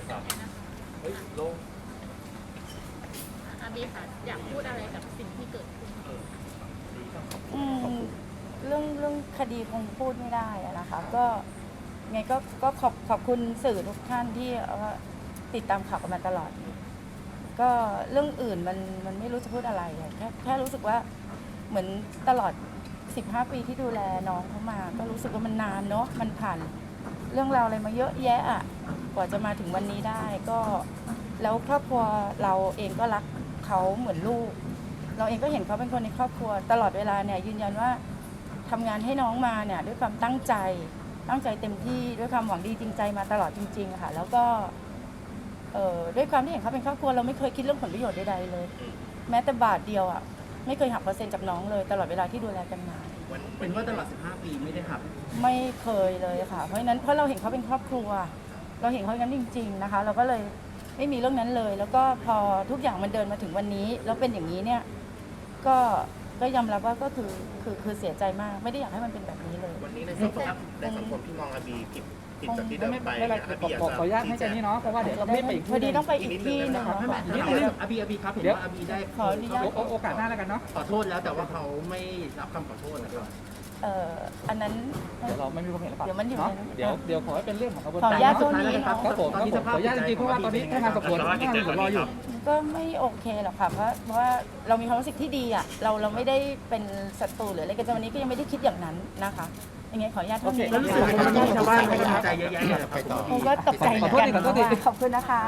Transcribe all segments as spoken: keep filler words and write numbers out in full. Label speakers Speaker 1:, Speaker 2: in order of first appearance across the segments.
Speaker 1: กันเนี่ยนะคะเฮ้ยลงอาบีค่ะอยากพูดอะไรกับสิ่งที่เกิดขึ้น
Speaker 2: อืมเรื่องเรื่องคดีคงพูดไม่ได้นะคะก็ไงก็ก็ขอบขอบคุณสื่อทุกท่านที่ติดตามข่าวกันมาตลอดก็เรื่องอื่นมันมันไม่รู้จะพูดอะไรแค่แค่รู้สึกว่าเหมือนตลอดสิบห้าปีที่ดูแลน้องเขามาก็รู้สึกว่ามันนานเนาะมันผ่านเรื่องราวอะไรมาเยอะแยะอ่ะกว่าจะมาถึงวันนี้ได้ก็แล้วครอบครัวเราเองก็รักเขาเหมือนลูกเราเองก็เห็นเขาเป็นคนในครอบครัวตลอดเวลาเนี่ยยืนยันว่าทำงานให้น้องมาเนี่ยด้วยความตั้งใจตั้งใจเต็มที่ด้วยความหวังดีจริงใจมาตลอดจริงๆค่ะแล้วก็เอ่อด้วยความที่เห็นเขาเป็นครอบครัวเราไม่เคยคิดเรื่องผลประโยชน์ใดๆเลยแม้แต่บาทเดียวอ่ะไม่เคยหักเปอร์เซ็นต์จากน้องเลยตลอดเวลาที่ดูแลกันมา
Speaker 3: เป็นว่าตลอดสิบห้าปีไม่ได้หัก
Speaker 2: ไม่เคยเลยค่ะเพราะฉะนั้นเพราะเราเห็นเขาเป็นครอบครัวเราเห็นเขาอย่างนั้นจริงๆนะคะเราก็เลยไม่มีเรื่องนั้นเลยแล้วก็พอทุกอย่างมันเดินมาถึงวันนี้แล้วเป็นอย่างนี้เนี่ยก็ก็ยอมรับว่าก็คือคือคือเสียใจมากไม่ได้อยากให้มันเป็นแบบนี้เลย
Speaker 4: วันนี้ในสังคมในสังคมที่มองอาบีผิดผิดจากที่เดิมไปอาบีอยาก
Speaker 3: ขออนุญาตให้เจนนี่เนาะเพราะว่าเดี๋ยวเราไม่ไปอีก
Speaker 2: พอดีต้องไปอีกที่นึง
Speaker 3: นิดนึงอาบีอาบีครับเห็นว่าอาบีได้
Speaker 2: ขออนุญาต
Speaker 3: โอกาสหน้าแล้วกันเนาะ
Speaker 4: ขอโทษแล้วแต่ว่าเขาไม่รับคำขอโทษนะครับ
Speaker 2: เอ่ออันนั้น
Speaker 3: เดี๋ยวเราไม่มีความเห็นหรือเปล่า
Speaker 2: เดี๋ยวมันอยู่
Speaker 3: เดี๋ยวเดี๋ยวขอให้เป็นเรื่องของกระบวน
Speaker 2: ขอ
Speaker 3: การ
Speaker 2: อนุญาตตัวนี้
Speaker 3: ครับครับผมครับผมขออนุญาตจริงๆเพราะว่าตอนนี้พนักงานสอบสวนพนักงานสอบสวนรออยู่
Speaker 2: ก็ไม่โอเคหรอกค่ะเพราะเพราะว่าเรามีความรู้สึกที่ดีอ่ะเราเราไม่ได้เป็นศัตรูหรืออะไรกันแต่วันนี้ก็ยังไม่ได้คิดอย่างนั้นนะคะยังไงขออนุญาตเท่านี้
Speaker 3: แล้วรู้สึกว่าวันนี้ชาวบ้านเขาดีใจเยอะแยะเลยครับ
Speaker 2: ผมก็ตกใจเหมือนกันขอบคุณนะคะ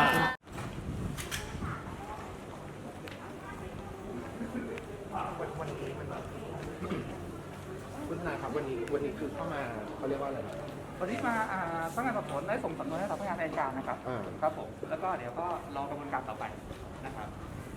Speaker 4: คุณทนายครับวันนี้วันนี้คือเข้ามาเขาเรียกว่าอะไร
Speaker 3: วันนี้มาพนักงานสอบสวนได้ส่งสำนวนให้กับพนักงานอัยการนะครับครับผมแล้วก็เดี๋ยวก็รอกระบวนการต่อไปนะครับ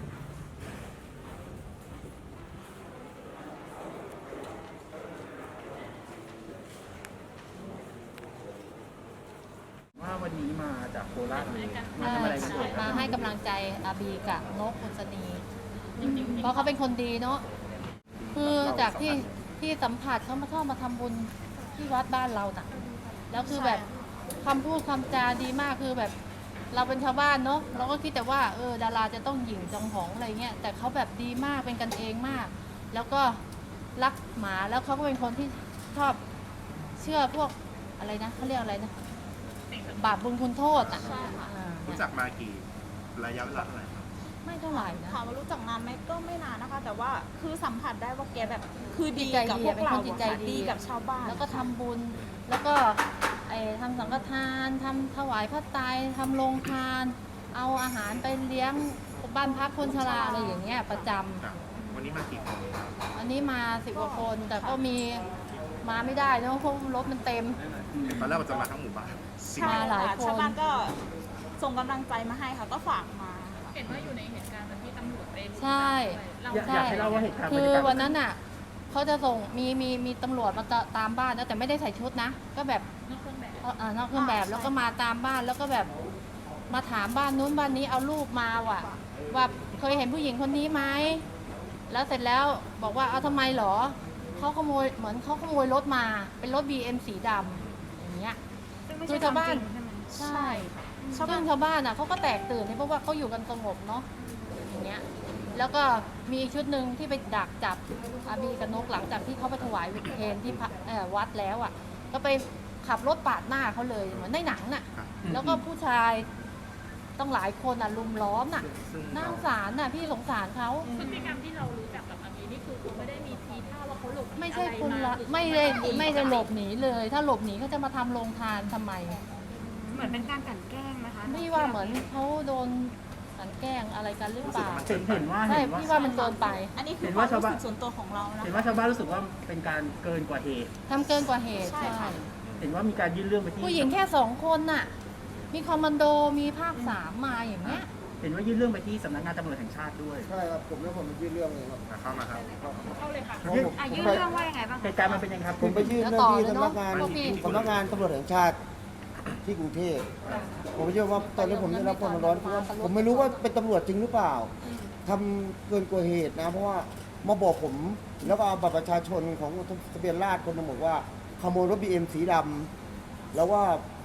Speaker 3: ว่าวันนี้มาจากโคราชมาทำอะไรกัน
Speaker 5: มาให้กำลังใจอาบีกับนกอุศนีเพราะเขาเป็นคนดีเนาะคือจากที่ที่สัมผัสเขามาชอบมาทำบุญที่วัดบ้านเราน่ะแล้วคือแบบคำพูดคำจาดีมากคือแบบเราเป็นชาวบ้านเนาะเราก็คิดแต่ว่าเออดาราจะต้องหยิ่งจองหองอะไรเงี้ยแต่เขาแบบดีมากเป็นกันเองมากแล้วก็รักหมาแล้วเขาก็เป็นคนที่ชอบเชื่อพวกอะไรนะเขาเรียกอะไรนะบาปบุญคุณโทษอ่ะ
Speaker 4: รู้จักมากี่ระยะเวลาเท่าไหร่ครับ
Speaker 5: ไม่เท่าไหร่นะ
Speaker 1: ถามว่ารู้จักนานไหมก็ไม่นานนะคะ แต่ว่าคือสัมผัสได้ว่าแกแบบคือดี
Speaker 5: ใจ
Speaker 1: กับ
Speaker 5: ดี
Speaker 1: พวก
Speaker 5: เป็น
Speaker 1: เรา
Speaker 5: คนจิตใจดี
Speaker 1: ดีกับชาวบ้าน
Speaker 5: แล้วก็ทำบุญแล้วก็ไอ้ทำสังฆทานทำถวายพระไตรทำโรงทานเอาอาหารไปเลี้ยงบ้านพักคนชราอะไรอย่างเงี้ยประจำ
Speaker 4: วันนี้มากี่คนครับ
Speaker 5: อันนี้มาสิบกว่าคนแต่ก็มีมาไม่ได้เนอะเพราะรถมันเต็ม
Speaker 4: ตอนแรกมันจะมาทั้งหมู่บ้าน
Speaker 5: มาหลายคน
Speaker 1: ชาวบ้านก็ส่งกำลังใจมาให้ค่ะก็ฝากมา
Speaker 6: เห็นว่าอยู่ในเหตุการณ์ที่ตำรวจไป
Speaker 5: ใช่
Speaker 3: อยากให้เล่าว่าเหตุการณ์
Speaker 5: คือวันนั้นอ่ะเขาจะส่งมีมีมีตำรวจมาตามบ้านนะแต่ไม่ได้ใส่ชุดนะก็แบบ
Speaker 6: นอกเครื่องแบบ
Speaker 5: เออนอกเครื่องแบบแล้วก็มาตามบ้านแล้วก็แบบมาถามบ้านนู้นบ้านนี้เอารูปมาว่ะว่าเคยเห็นผู้หญิงคนนี้ไหมแล้วเสร็จแล้วบอกว่าเอาทำไมหรอเขาขโมยเหมือนเขาขโมยรถมาเป็นรถ บี เอ็ม สีดำอย่างเงี้ยคือชาวบ้านใช่ซึ่งชาวบ้านอ่ะเขาก็แตกตื่นเพราะว่าเขาอยู่กันสงบเนาะอย่างเงี้ยแล้วก็มีอีกชุดหนึ่งที่ไปดักจับอาบีกับนกหลังจากที่เขาไปถวายเพลที่วัดแล้วอ่ะก็ไปขับรถปาดหน้าเขาเลยเหมือนในหนังน่ะแล้วก็ผู้ชายต้องหลายคนอ่ะลุมล้อมน่ะน่าสงสารน่ะพี่สงสารเขา
Speaker 6: พฤติกรรมที่เรารู้จักกับอาบีนี่คือเขาไม่ได้มีทีท่าว่าเขาหลบ
Speaker 5: ไม่ใช่คุณละไม่ได้ไม่ได้หลบหนีเลยถ้าหลบหนีเขาจะมาทำโรงทานทำไม
Speaker 1: เหมือนเป็นการกลั่นแกล้งนะคะ
Speaker 5: ไม่ว่าเหมือนเขาโดนกลั่นแกล้งอะไรกันหรือเปล่า
Speaker 3: เห็นเห็นว่า
Speaker 5: ใช่พี่ว่ามันเกินไป
Speaker 1: อันนี้คือความรู้สึกส่วนตัวของเรานะ
Speaker 3: เห็นว่าชาวบ้านรู้สึกว่าเป็นการเกินกว่าเหตุ
Speaker 5: ทำเกินกว่าเหตุใช่
Speaker 3: เห็นว่ามีการยื่นเรื่องไปที่
Speaker 5: ผู้หญิงแค่สองคนน่ะมีคอมมานโดมีภาคสามมาอย่างเงี้ย
Speaker 3: เห็นว่ายื่นเรื่องไปที่สำนักงานตำรวจแห่งชาติด้วย
Speaker 7: ใช่ครับผมแล้วผมไปยื่นเรื่องเลยครับ
Speaker 4: เข้ามาครับ
Speaker 6: เข้าเลยค่ะ
Speaker 1: ยื่นเรื่องว่ายังไงบ้าง
Speaker 3: เหตุการณ์มันเป็นยังไงครับ
Speaker 7: ผมไปยื่นเรื่องที่สำนักงานสำนักงานตำรวจแห่งชาติที่กรุงเทพผมเชื่อว่าตอนนี้ผมได้รับความร้อนเพราะว่าผมไม่รู้ว่าเป็นตำรวจจริงหรือเปล่าทำเกินกว่าเหตุนะเพราะว่ามาบอกผมแล้วก็เอาบัตรประชาชนของทะเบียนราษฎร์คนนึงบอกว่าขโมยรถ บี เอ็ม สีดำแล้วว่า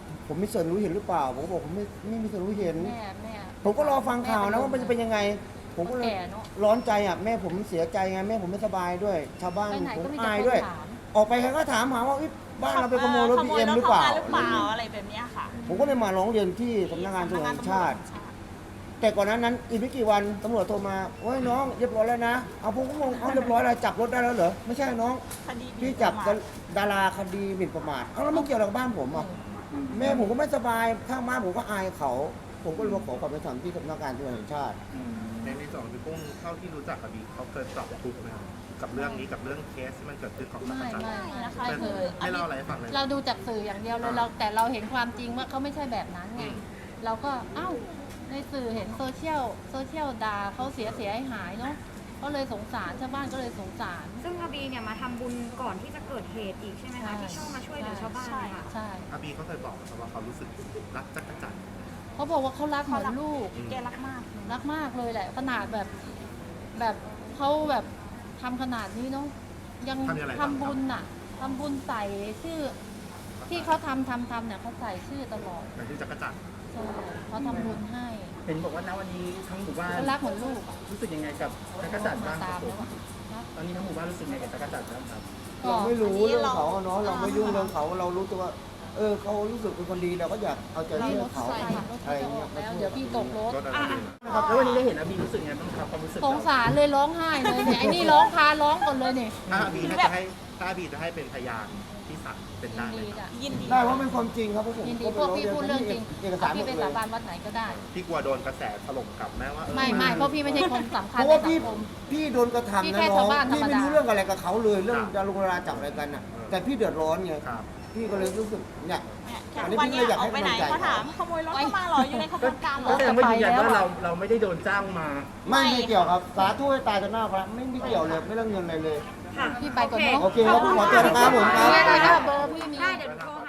Speaker 7: ผมมีส่วนรู้เห็นหรือเปล่าผมก็บอกผมไม่ไม่มีส่วนรู้เห็น
Speaker 5: แม่แม่
Speaker 7: ผมก็รอฟังข่าวนะว่ามันจะเป็นยังไง ผมก็เลย
Speaker 5: แก่เนอะ
Speaker 7: ร้อนใจอ่ะแม่ผมเสียใจไงแม่ผมไม่สบายด้วย ชาวบ้าน
Speaker 5: ไปไหน
Speaker 7: ผม
Speaker 5: ก็มีแต่
Speaker 7: อาย
Speaker 5: คน
Speaker 7: ด้วย
Speaker 5: ถาม
Speaker 7: ออกไปใครก็ถามหาว่าอุ๊ยบ้านเราไปขโมยรถ
Speaker 1: ข
Speaker 7: บี
Speaker 1: โมย
Speaker 7: เอ็ม
Speaker 1: รถ
Speaker 7: หรือ
Speaker 1: เขา
Speaker 7: เปล่า
Speaker 1: มาหรือเปล่าอะไรแบบเนี้ยค่ะ
Speaker 7: ผมก็เลยมาร้องเรียนที่สำนักงานตำรวจแห่งชาติ แต่ก่อนนั้นนั้นอีกไม่กี่วันตำรวจโทรมาโอ้ยน้องเรียบร้อยแล้วนะเอาผมก็งงเอาเรียบร้อยแล้วจับรถได้แล้วเหรอไม่ใช่น้อง
Speaker 1: คดีหมิ่น
Speaker 7: พี่จับ
Speaker 1: ประมาท
Speaker 7: ดาราคดีหมิ่นประมาทเอาแล้วมันเกี่ยวอะไรกับบ้านผมอ่ะแม่ผมก็ไม่สบายข้างบ้านผมก็อายเขา ผมก็เลยมาขอความเป็นธรรมที่สำนักงานตำรวจแห่งชาติ
Speaker 4: ในในส่วนของพี่กุ้งเท่าที่รู้จักอาบีเขาเคยปรับทุกข์ไหมครับกับเรื่องนี้กับเรื่องเคสที่มันเกิดขึ้นของจัก
Speaker 5: ไม่
Speaker 4: รจันทร์
Speaker 5: ไม่
Speaker 1: นะคะ
Speaker 5: ไม่เคย
Speaker 4: ให้เล่าอะไรให้ฟังเลย
Speaker 5: เราดูจากสื่ออย่างเดียวเลยเราแต่เราเห็นความจริงว่าเขาไม่ใช่แบบนั้นไงเราก็เอ้าในสื่อเห็นโซเชียลโซเชียลด่าเขาเสียเสียหายหายเนาะก็เลยสงสารชาวบ้านก็เลยสงสาร
Speaker 8: ซึ่งอาบีเนี่ยมาทำบุญก่อนที่จะเกิดเหตุอีกใช่ไหม
Speaker 5: ใช่
Speaker 8: คะที่ชอบมาช่วยเหลือชาวบ้านเนี่ยค่ะ
Speaker 5: ใช่
Speaker 4: อาบีเขาเคยบอกนะครับว่าเขารู้สึกรักจักรจันทร์
Speaker 5: เขาบอกว่าเขารักเหมือนลูก
Speaker 1: แกรักมาก
Speaker 5: รักมากเลยแหละขนาดแบบแบบเขาแบบทำขนาดนี้เนาะยัง
Speaker 4: ทำยังไง
Speaker 5: ทำบุญน่ะทำบุญใส่ชื่อ ที่เขาทำทำทำเนี่ยเขาใส่ชื่อตลอด
Speaker 4: แต่ที่จักรจันทร์
Speaker 5: ใช่เขาทำบุญให้
Speaker 3: เห็นบอกว่าณวันนี้ทั้งหมู่บ้าน
Speaker 5: เขารักเหมือนลูกอะ
Speaker 3: รู้สึกยังไงกับจักรจันทร์บ้างค
Speaker 5: ตา
Speaker 3: รับ
Speaker 5: ม
Speaker 3: ผ
Speaker 5: แล้ว
Speaker 3: ม
Speaker 5: อะนะ
Speaker 3: ตอนนี้ทั้งหมู่บ้านรู้สึกยังไงกับจักรจันทร์บ้างครับ
Speaker 5: ก็
Speaker 7: เราไม่รู้
Speaker 1: อันนี้
Speaker 7: เรื่อง
Speaker 1: เรา
Speaker 7: เขาอะเนาะเราไม่ยุ่ง
Speaker 1: อ่า
Speaker 7: เรื่องเขาเรารู้แต่ว่า เออเขารู้สึกเป็นคนดีเราก็อยากเอาใจ
Speaker 5: นี่
Speaker 7: ช่วย
Speaker 5: รถ
Speaker 7: เขา
Speaker 5: ใส่รถ
Speaker 7: อะไร
Speaker 5: เขาจะอ
Speaker 7: เงี้
Speaker 5: อย กแล้วเดี๋ยวพี่ตกรถ
Speaker 4: รถอะไรดี
Speaker 3: นะครับแล้ววันนี้ได้เห็นอาบีรู้สึกยังไงบ้างครับความรู้สึก
Speaker 5: ส
Speaker 3: เรา
Speaker 5: งสารเลยร้องไห้เลยเนี่ยไอ้นี่ร้องพาร้องก่อนเลยเนี่ย
Speaker 4: ถ้าอาบีถ้าจะให้ถ้าอาบีจะให้เป็นพยานที่ศาลเป็น
Speaker 5: ยิ
Speaker 4: ได้
Speaker 5: น
Speaker 4: ไหม
Speaker 5: ดี
Speaker 4: ครับ
Speaker 5: จ้ะ
Speaker 1: ยินดี
Speaker 7: ได้เพราะเป็นความจริงครับพวกผม
Speaker 5: ยินดี
Speaker 7: ก็
Speaker 5: พวกพี่พูดเรื่องจริง
Speaker 7: เอกสารหม
Speaker 5: พี่
Speaker 7: ด
Speaker 5: ไป
Speaker 7: เล
Speaker 5: สาย บานวัดไหนก็ได้
Speaker 4: พี่กลัวโดนกระแสถล่มกลับแม้ว่าเออ
Speaker 5: ไม่ไม่เพราะพี่ไม่ใช่คนสำคัญ
Speaker 7: เพราะ
Speaker 5: ใน
Speaker 7: ว่า
Speaker 5: สั
Speaker 7: พี่
Speaker 5: งคม
Speaker 7: พี่โดนกระทำ
Speaker 5: พี่
Speaker 7: นะ
Speaker 5: แค่
Speaker 7: น้อ
Speaker 5: ชาง วบ้านธรรม
Speaker 7: พี่ไม่
Speaker 5: ดา
Speaker 7: รู้เรื่องอะไรกับเขาเลยเรื่องดารุงดาราจับอะไรกันน่ะแต่พี่เดือดร้อนไง
Speaker 4: ครับ
Speaker 7: พี่ก็เลยรู้สึกเนี่ย
Speaker 1: เนี่ยแค่
Speaker 7: อันนี้
Speaker 1: วัน
Speaker 7: พี่
Speaker 1: เนี้ย
Speaker 7: เลยอยาก
Speaker 1: ออก
Speaker 7: ให้
Speaker 1: ไปไหน
Speaker 7: กำลังใจ
Speaker 1: เขาถามขโมยรถเข้ามาเหรออยู่ในขบวนการเหร
Speaker 3: ก็
Speaker 1: อ
Speaker 3: แสดงว่ายืนยันว่าเราเราไม่ได้โดนจ้างมา
Speaker 7: ไม่ไม่เกี่ยวครับสาธุให้ตายต่อหน้าพระไม่ไม่เกี่ยวเลยไม่เรื่องเงินอะไรเลย
Speaker 8: ค่ะ
Speaker 5: พี่ไปก่อนเนาะ
Speaker 7: โอเคครับผมขอตัวนะครับผมครับ
Speaker 5: ไม่ได้เบอร์พี่มี
Speaker 8: ได้เดี๋ยวโทร